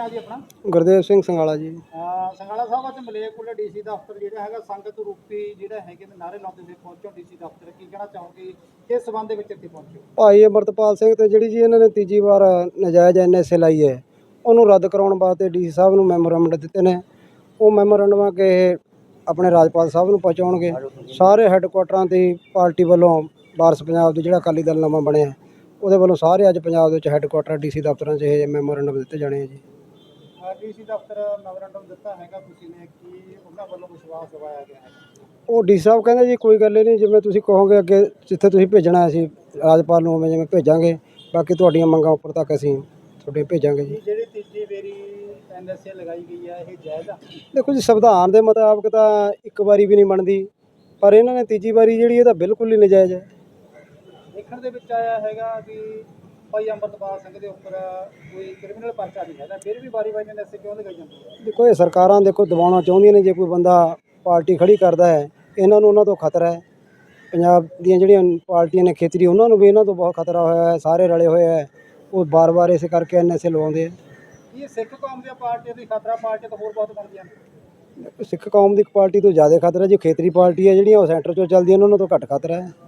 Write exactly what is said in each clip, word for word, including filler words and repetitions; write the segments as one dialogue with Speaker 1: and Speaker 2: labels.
Speaker 1: नाम जी अपना?
Speaker 2: गुरदेव सिंह संगाला जी।
Speaker 1: संगाला साहब अज मलेरकोटला डीसी दफ्तर जो है संगत रूपी जो है नारे लाते हुए पहुंचो डीसी दफ्तर की कहना चाहोगे किस संबंध में इतने पहुंचे?
Speaker 2: भाई अमरतपाल सिंह ते जिहड़ी जी इन्होंने तीजी बार नजायज़ एन एस ए लाई है उन्होंने रद्द कराने वास्ते डी सी साहब नूं मैमोरेंडम दिते ने। वो मैमोरेंडम के अपने राजपाल साहब नूं पहुँचाउणगे। सारे हैडकुआटरां ते पार्टी वालों वारस पंजाब दी जिहड़ा अकाली दल नवां बनिया ਉਹਦੇ ਵੱਲੋਂ ਸਾਰੇ ਅੱਜ ਪੰਜਾਬ ਦੇ ਵਿੱਚ ਹੈੱਡਕੁਆਟਰ ਡੀ ਸੀ ਦਫ਼ਤਰਾਂ 'ਚ ਇਹ ਮੈਮੋਰੈਂਡਮ ਦਿੱਤੇ ਜਾਣੇ ਆ ਜੀ।
Speaker 1: ਡੀਸੀ ਦਫ਼ਤਰ ਮੈਮੋਰੈਂਡਮ ਦਿੱਤਾ ਹੈਗਾ ਤੁਸੀਂ ਨੇ ਕੀ ਉਹਨਾਂ ਵੱਲੋਂ ਵਿਸ਼ਵਾਸ ਦਿਵਾਇਆ ਗਿਆ ਹੈ?
Speaker 2: ਉਹ ਡੀ ਸਾਹਿਬ ਕਹਿੰਦੇ ਜੀ ਕੋਈ ਗੱਲ ਨਹੀਂ, ਜਿਵੇਂ ਤੁਸੀਂ ਕਹੋਗੇ ਅੱਗੇ ਜਿੱਥੇ ਤੁਸੀਂ ਭੇਜਣਾ ਅਸੀਂ ਰਾਜਪਾਲ ਨੂੰ ਉਵੇਂ ਜਿਵੇਂ ਭੇਜਾਂਗੇ, ਬਾਕੀ ਤੁਹਾਡੀਆਂ ਮੰਗਾਂ ਉੱਪਰ ਤੱਕ ਅਸੀਂ ਤੁਹਾਡੇ ਭੇਜਾਂਗੇ ਜੀ।
Speaker 1: ਜਿਹੜੀ ਤੀਜੀ ਵਾਰੀ ਐਨ ਐਸ ਏ ਲਗਾਈ ਗਈ ਹੈ ਇਹ ਜਾਇਜ਼ ਆ?
Speaker 2: ਦੇਖੋ ਜੀ ਸੰਵਿਧਾਨ ਦੇ ਮੁਤਾਬਕ ਤਾਂ ਇੱਕ ਵਾਰੀ ਵੀ ਨਹੀਂ ਬਣਦੀ, ਪਰ ਇਹਨਾਂ ਨੇ ਤੀਜੀ ਵਾਰੀ ਜਿਹੜੀ ਇਹ ਤਾਂ ਬਿਲਕੁਲ ਹੀ ਨਜਾਇਜ਼ ਹੈ।
Speaker 1: ਦੇਖਣ ਦੇ ਵਿੱਚ ਆਇਆ ਹੈਗਾ ਵੀ ਭਾਈ ਅੰਮ੍ਰਿਤਪਾਲ ਸਿੰਘ ਦੇ ਉੱਪਰ ਕੋਈ ਕ੍ਰਿਮੀਨਲ ਪਰਚਾ ਨਹੀਂ ਹੈਗਾ, ਫਿਰ ਵੀ ਵਾਰੀ ਵਾਰੀ ਐਨ ਐਸ ਏ ਕਿਉਂ ਲਗਾਈ ਜਾਂਦੀ ਹੈ?
Speaker 2: ਦੇਖੋ ਇਹ ਸਰਕਾਰਾਂ ਦੇਖੋ ਦਬਾਉਣਾ ਚਾਹੁੰਦੀਆਂ ਨੇ, ਜੇ ਕੋਈ ਬੰਦਾ ਪਾਰਟੀ ਖੜੀ ਕਰਦਾ ਹੈ ਇਹਨਾਂ ਨੂੰ ਉਹਨਾਂ ਤੋਂ ਖਤਰਾ ਹੈ। ਪੰਜਾਬ ਦੀਆਂ ਜਿਹੜੀਆਂ ਪਾਰਟੀਆਂ ਨੇ ਖੇਤਰੀ ਉਹਨਾਂ ਨੂੰ ਵੀ ਇਹਨਾਂ ਤੋਂ ਬਹੁਤ ਖਤਰਾ ਹੋਇਆ ਹੈ, ਸਾਰੇ ਰਲੇ ਹੋਏ ਹੈ, ਉਹ ਬਾਰ ਬਾਰ ਇਸ ਕਰਕੇ ਐਨ ਐਸ ਏ ਲਵਾਉਂਦੇ ਆ।
Speaker 1: ਇਹ ਸਿੱਖ ਕੌਮ ਦੀਆਂ ਪਾਰਟੀਆਂ ਦੀ ਖਤਰਾ ਪਾਰਟੀ ਤੋਂ ਹੋਰ ਬਹੁਤ ਬਣਦੀਆਂ ਨੇ?
Speaker 2: ਸਿੱਖ ਕੌਮ ਦੀ ਪਾਰਟੀ ਤੋਂ ਜ਼ਿਆਦਾ ਖਤਰਾ ਜੀ ਖੇਤਰੀ ਪਾਰਟੀ ਹੈ ਜਿਹੜੀਆਂ ਉਹ ਸੈਂਟਰ 'ਚੋਂ ਚੱਲਦੀਆਂ ਨੇ ਉਹਨਾਂ ਤੋਂ ਘੱਟ ਖਤਰਾ ਹੈ।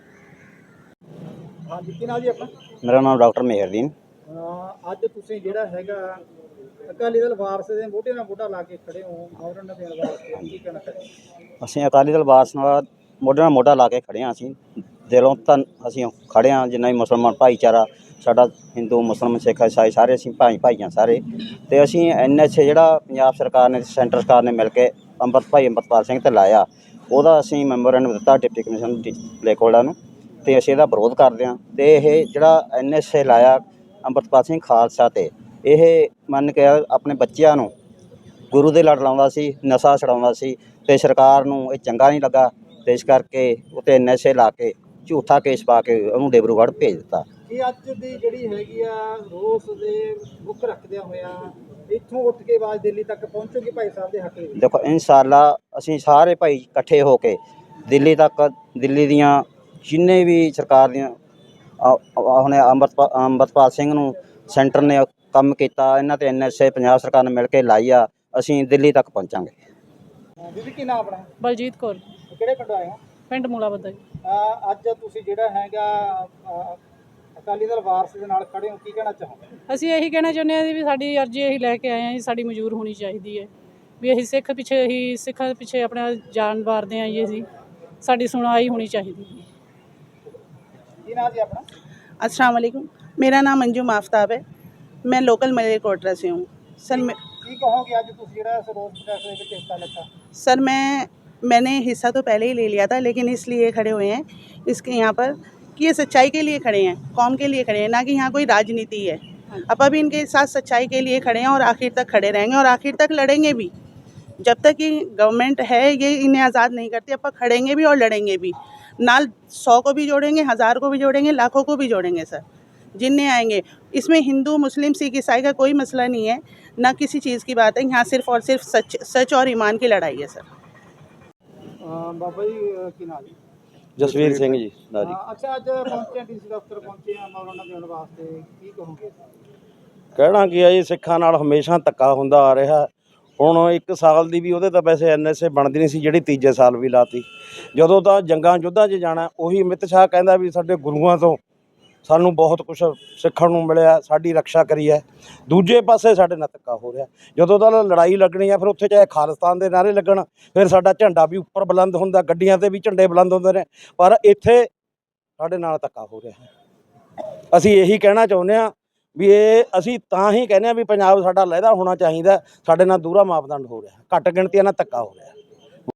Speaker 1: हाँ जी, की नाम जी अपना?
Speaker 3: मेरा नाम डॉक्टर मेहरदीन।
Speaker 1: अज तुसीं जिहड़ा हैगा अकाली दल वारस दे मोढे नाल मोढा ला के खड़े हो मैमोरेंडम देण वास्ते, की कहना चाਹੁੰਦੇ?
Speaker 3: ਅਸੀਂ ਅਕਾਲੀ ਦਲ ਵਾਰਸ ਨਾਲ ਮੋਢੇ ਨਾਲ ਮੋਢਾ ਲਾ ਕੇ ਖੜੇ ਹਾਂ। ਅਸੀਂ ਦਿਲੋਂ ਤਾਂ ਅਸੀਂ ਖੜੇ ਹਾਂ, ਜਿੰਨਾ ਵੀ ਮੁਸਲਮਾਨ ਭਾਈਚਾਰਾ ਸਾਡਾ ਹਿੰਦੂ ਮੁਸਲਮਾਨ ਸਿੱਖ ਈਸਾਈ ਸਾਰੇ ਅਸੀਂ ਭਾਈ ਭਾਈ ਹਾਂ ਸਾਰੇ। ਅਤੇ ਅਸੀਂ ਐਨ ਐਸ ਏ ਜਿਹੜਾ ਪੰਜਾਬ ਸਰਕਾਰ ਨੇ ਸੈਂਟਰ ਸਰਕਾਰ ਨੇ ਮਿਲ ਕੇ ਅੰਮ੍ਰਿਤ ਭਾਈ ਅੰਮ੍ਰਿਤਪਾਲ ਸਿੰਘ 'ਤੇ ਲਾਇਆ, ਉਹਦਾ ਅਸੀਂ ਮੈਮੋਰੈਂਡਮ ਦਿੱਤਾ ਡਿਪਟੀ ਕਮਿਸ਼ਨਰ ਮਲੇਰਕੋਟਲਾ ਨੂੰ, ਅਤੇ ਅਸੀਂ ਇਹਦਾ ਵਿਰੋਧ ਕਰਦੇ ਹਾਂ। ਅਤੇ ਇਹ ਜਿਹੜਾ ਐਨ ਐਸ ਏ ਲਾਇਆ ਅੰਮ੍ਰਿਤਪਾਲ ਸਿੰਘ ਖਾਲਸਾ 'ਤੇ, ਇਹ ਮੰਨ ਕੇ ਆਪਣੇ ਬੱਚਿਆਂ ਨੂੰ ਗੁਰੂ ਦੇ ਲੜ ਲਾਉਂਦਾ ਸੀ, ਨਸ਼ਾ ਛਡਾਉਂਦਾ ਸੀ, ਅਤੇ ਸਰਕਾਰ ਨੂੰ ਇਹ ਚੰਗਾ ਨਹੀਂ ਲੱਗਾ, ਅਤੇ ਇਸ ਕਰਕੇ ਉੱਤੇ ਐਨ ਐਸ ਏ ਲਾ ਕੇ ਝੂਠਾ ਕੇਸ ਪਾ ਕੇ ਉਹਨੂੰ ਡਿਬਰੂਗੜ੍ਹ ਭੇਜ ਦਿੱਤਾ।
Speaker 1: ਇਹ ਅੱਜ ਦੀ ਜਿਹੜੀ ਹੈਗੀ ਆ ਰੋਸ ਦੇ ਮੁੱਖ ਰੱਖਦਿਆਂ ਹੋਇਆ ਇੱਥੋਂ ਉੱਠ ਕੇ ਆਵਾਜ਼ ਦਿੱਲੀ ਤੱਕ ਪਹੁੰਚੂਗੀ ਭਾਈ ਸਾਹਿਬ ਦੇ ਹੱਕ ਵਿੱਚ?
Speaker 3: ਦੇਖੋ ਇਨਸ਼ਾਅੱਲਾ ਅਸੀਂ ਸਾਰੇ ਭਾਈ ਇਕੱਠੇ ਹੋ ਕੇ ਦਿੱਲੀ ਤੱਕ, ਦਿੱਲੀ ਦੀਆਂ ਜਿੰਨੇ ਵੀ ਸਰਕਾਰ ਦੀਆਂ ਹੁਣ ਅੰਮ੍ਰਿਤਪਾਲ ਅੰਮ੍ਰਿਤਪਾਲ ਸਿੰਘ ਨੂੰ ਸੈਂਟਰ ਨੇ ਕੰਮ ਕੀਤਾ, ਇਹਨਾਂ 'ਤੇ ਐਨ ਐਸ ਏ ਪੰਜਾਬ ਸਰਕਾਰ ਨੇ ਮਿਲ ਕੇ ਲਾਈ ਆ, ਅਸੀਂ ਦਿੱਲੀ ਤੱਕ ਪਹੁੰਚਾਂਗੇ।
Speaker 1: ਦੀਦੀ ਕੀ ਨਾਮ ਆਪਣਾ?
Speaker 4: ਬਲਜੀਤ ਕੌਰ।
Speaker 1: ਕਿਹੜੇ ਪਿੰਡੋਂ ਆਏ ਹੋ?
Speaker 4: ਪਿੰਡ ਮੂਲਾਬੱਦਾ ਜੀ।
Speaker 1: ਅੱਜ ਤੁਸੀਂ ਜਿਹੜਾ ਹੈਗਾ ਅਕਾਲੀ ਦਲ ਵਾਰਸ ਦੇ ਨਾਲ ਖੜੇ ਹੋ, ਕੀ ਕਹਿਣਾ ਚਾਹੋਗੇ?
Speaker 4: ਅਸੀਂ ਇਹੀ ਕਹਿਣਾ ਚਾਹੁੰਦੇ ਹਾਂ ਵੀ ਸਾਡੀ ਅਰਜ਼ੀ ਇਹੀ ਲੈ ਕੇ ਆਏ ਹਾਂ ਜੀ, ਸਾਡੀ ਮਨਜ਼ੂਰ ਹੋਣੀ ਚਾਹੀਦੀ ਹੈ ਵੀ ਅਸੀਂ ਸਿੱਖ ਪਿੱਛੇ ਹੀ ਸਿੱਖਾਂ ਪਿੱਛੇ ਆਪਣਾ ਜਾਨ ਵਾਰਦੇ ਹਾਂ ਜੀ, ਅਸੀਂ ਸਾਡੀ ਸੁਣਵਾਈ ਹੋਣੀ ਚਾਹੀਦੀ ਹੈ।
Speaker 1: ਕੀ ਨਾਮ ਜੀ ਆਪਣਾ?
Speaker 5: अस्सलाम वालेकुम, मेरा नाम अंजुम आफ्ताब है, मैं लोकल मलेरकोटला से हूँ। सर मैं
Speaker 1: ਕੀ ਕਹੋਗੇ ਅੱਜ ਤੁਸੀਂ ਜਿਹੜਾ ਇਸ ਰੋਸ ਪ੍ਰਦਰਸ਼ਨ ਦੇ ਵਿੱਚ ਹਿੱਸਾ ਲਿੱਤਾ?
Speaker 5: सर मैं मैंने हिस्सा तो पहले ही ले लिया था, लेकिन इसलिए खड़े हुए हैं इसके यहाँ पर कि ये सच्चाई के लिए खड़े हैं, कौम के लिए खड़े हैं, ना कि यहाँ कोई राजनीति है। अब अब इनके साथ सच्चाई के लिए खड़े हैं और आखिर तक खड़े रहेंगे और आखिर तक लड़ेंगे भी। जब तक ये गवर्नमेंट है ये इन्हें आज़ाद नहीं करती, अब खड़ेंगे भी और लड़ेंगे भी। नाल सौ को भी जोड़ेंगे, हज़ार को भी जोड़ेंगे, लाखों को भी जोड़ेंगे सर, जिनने आएंगे। इसमें हिंदू मुस्लिम सिख ईसाई का कोई मसला नहीं है, ना किसी चीज़ की बात है, यहाँ सिर्फ और सिर्फ सच सच और ईमान की लड़ाई है सर।
Speaker 1: ਬਾਬਾ ਜੀ ਕੀ ਨਾਮ ਜੀ?
Speaker 3: ਜਸਵੀਰ ਸਿੰਘ ਜੀ ਦਾ ਜੀ।
Speaker 1: ਅੱਛਾ ਅੱਜ ਪਹੁੰਚੇ ਡੀਸੀ ਦਫ਼ਤਰ ਪਹੁੰਚੇ ਆ ਮੈਮੋਰੈਂਡਮ ਦੇਣ ਵਾਸਤੇ, ਕੀ ਕਹੋਗੇ?
Speaker 6: ਕਹਿਣਾ ਕੀ ਹੈ ਜੀ, ਸਿੱਖਾਂ ਨਾਲ ਹਮੇਸ਼ਾ ਧੱਕਾ ਹੁੰਦਾ ਆ ਰਿਹਾ। ਹੁਣ ਇੱਕ ਸਾਲ ਦੀ ਵੀ ਉਹਦੇ ਤਾਂ ਵੈਸੇ ਐਨ ਐਸ ਏ ਬਣਦੀ ਨਹੀਂ ਸੀ, ਜਿਹੜੀ ਤੀਜੇ ਸਾਲ ਵੀ ਲਾਤੀ। ਜਦੋਂ ਤਾਂ ਜੰਗਾਂ ਯੁੱਧਾਂ 'ਚ ਜਾਣਾ, ਉਹੀ ਅਮਿਤ ਸ਼ਾਹ ਕਹਿੰਦਾ ਵੀ ਸਾਡੇ ਗੁਰੂਆਂ ਤੋਂ ਸਾਨੂੰ ਬਹੁਤ ਕੁਛ ਸਿੱਖਣ ਨੂੰ ਮਿਲਿਆ, ਸਾਡੀ ਰਕਸ਼ਾ ਕਰੀ ਹੈ। ਦੂਜੇ ਪਾਸੇ ਸਾਡੇ ਨਾਲ ਧੱਕਾ ਹੋ ਰਿਹਾ। ਜਦੋਂ ਤਾਂ ਲੜਾਈ ਲੱਗਣੀ ਆ ਫਿਰ ਉੱਥੇ ਚਾਹੇ ਖਾਲਿਸਤਾਨ ਦੇ ਨਾਅਰੇ ਲੱਗਣ, ਫਿਰ ਸਾਡਾ ਝੰਡਾ ਵੀ ਉੱਪਰ ਬੁਲੰਦ ਹੁੰਦਾ, ਗੱਡੀਆਂ 'ਤੇ ਵੀ ਝੰਡੇ ਬੁਲੰਦ ਹੁੰਦੇ ਨੇ, ਪਰ ਇੱਥੇ ਸਾਡੇ ਨਾਲ ਧੱਕਾ ਹੋ ਰਿਹਾ। ਅਸੀਂ ਇਹੀ ਕਹਿਣਾ ਚਾਹੁੰਦੇ ਹਾਂ ਵੀ ਇਹ ਅਸੀਂ ਤਾਂ ਹੀ ਕਹਿੰਦੇ ਹਾਂ ਵੀ ਪੰਜਾਬ ਸਾਡਾ ਲਹਿਦਾ ਹੋਣਾ ਚਾਹੀਦਾ, ਸਾਡੇ ਨਾਲ ਦੂਰਾ ਮਾਪਦੰਡ ਹੋ ਰਿਹਾ, ਘੱਟ ਗਿਣਤੀਆਂ ਨਾਲ ਧੱਕਾ ਹੋ ਰਿਹਾ।